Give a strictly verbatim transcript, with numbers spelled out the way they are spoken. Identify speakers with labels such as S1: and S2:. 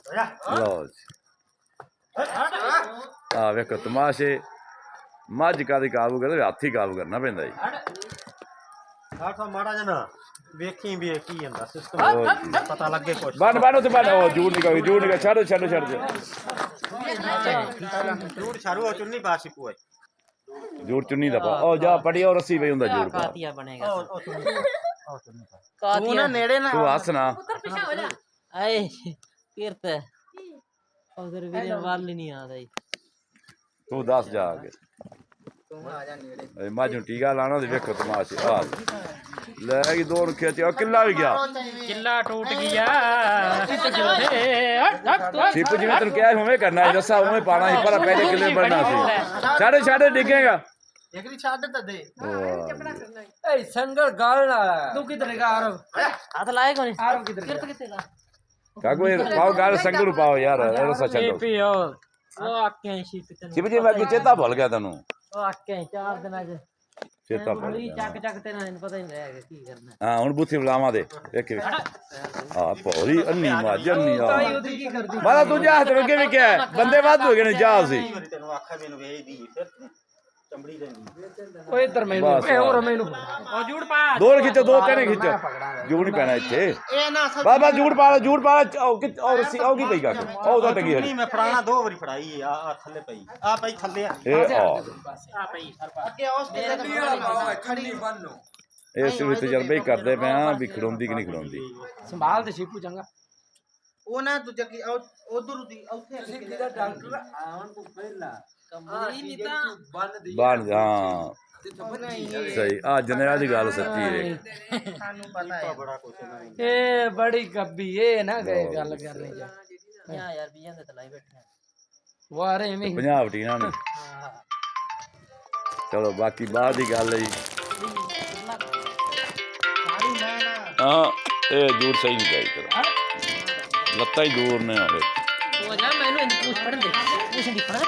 S1: लो आ वेखो तमाशे मज का काबू करते हाथ ही काबू करना पैंदा जी
S2: माड़ा जना वेखी भी की ਜਾਂਦਾ सिस्टम पता लगे कुछ
S1: बन बन उते बन ओ झूठ निकल झूठ निकल छड़ छड़ छड़
S2: झूठ छारू चुन्नी पासी कोई
S1: झूठ चुन्नी दा पा ओ जा पड़ी और रस्सी पे हुंदा झूठ पा
S3: कातिया बनेगा
S2: तू ना नेड़े ना
S1: तू हस ना
S3: आए कीरत उधर भी वाल नहीं आ रही
S1: तू दस जा आगे माजू टीका लाना ते वेखो तमाशे आ ले गई दो खिच किला भी गया
S3: किला टूट गया
S1: सिप जी तेन क्या उवें करना है दसा उवें पाना ही पर पहले किले बनना सी छाड़े छाड़े डिगेगा
S2: एकरी छाड़ दे दे
S4: ए संगल गाल ना तू किधर का आरव
S3: हाथ लाए कोनी
S4: आरव किधर
S3: कीरत किथे ला
S1: काको पाओ गाल संगल पाओ यार ऐसा छड़ो
S3: पियो वो आके शीत तन
S1: सिप जी मैं चेता भूल गया तेनू
S3: वो आके चार दिन आज
S1: चेता भूल
S3: गोली
S1: गया
S3: चक चक तेना पता ही नहीं रहेगा की करना
S1: हां हुन बुथी बुलावा दे देख हां पौरी अन्नी माज अन्नी आ मारा तू जा ते अगे भी क्या बंदे वाद हो गए ने जा सी
S2: तेनू आखा मेनू भेज दी फिर चमड़ी देनी
S4: ओए इधर मैनू ए और मैनू
S3: ओ झूठ पा
S1: दो खिचो दो तेने खिचो झूठ नहीं पैना इत्थे
S2: ए ना
S1: बस बस झूठ पा झूठ पा और सी आओ की पई का ओ तो टगी
S2: नहीं मैं फराना दो बारी फड़ाई है आ थल्ले पई आ पई थल्ले आ
S1: ए आ
S3: आ पई
S2: अगे औस के खड़ी बननो
S1: ਇਹ ਸਿਰ ਤਜਰਬੇ ਹੀ ਕਰਦੇ ਪਏ ਆ ਵੀ ਖੜੋਂਦੀ ਕਿ ਨਹੀਂ ਖੜੋਂਦੀ
S4: संभाल ते शिपू चंगा
S2: ਉਹ ਨਾ ਦੂਜਾ ਕੀ ਉਧਰ ਦੀ ਉੱਥੇ
S4: सिद्धि दा डॉक्टर आवन को पहला
S3: कमरी नहीं था
S1: ਬਣ ਜਾ ਸਹੀ ਆ ਜਨਰਲ ਦੀ ਗੱਲ ਸੱਚੀ ਹੈ
S2: ਸਾਨੂੰ ਪਤਾ ਹੈ ਬੜਾ ਕੁਛ ਨਾ
S4: ए बड़ी गब्बी ए ना गए गल करने जा
S3: यहाँ यार बियां दे तलाई बैठे
S4: वारे में
S1: ਪੰਜਾਬ ਟੀਨਾਂ ਨੇ ਚਲੋ ਬਾਕੀ ਬਾਅਦ ਦੀ ਗੱਲ ਹੈ ਜੀ ਹਾਂ ਇਹ ਜੂੜ ਸਹੀ ਨਹੀਂ ਚਾਹੀਦਾ ਤੇਰਾ ਲੱਤਾਂ ਹੀ ਦੂਰ ਨੇ ਆਵੇ
S3: वो जा मैंने पूछ पढ़ दे पूछ नहीं पढ़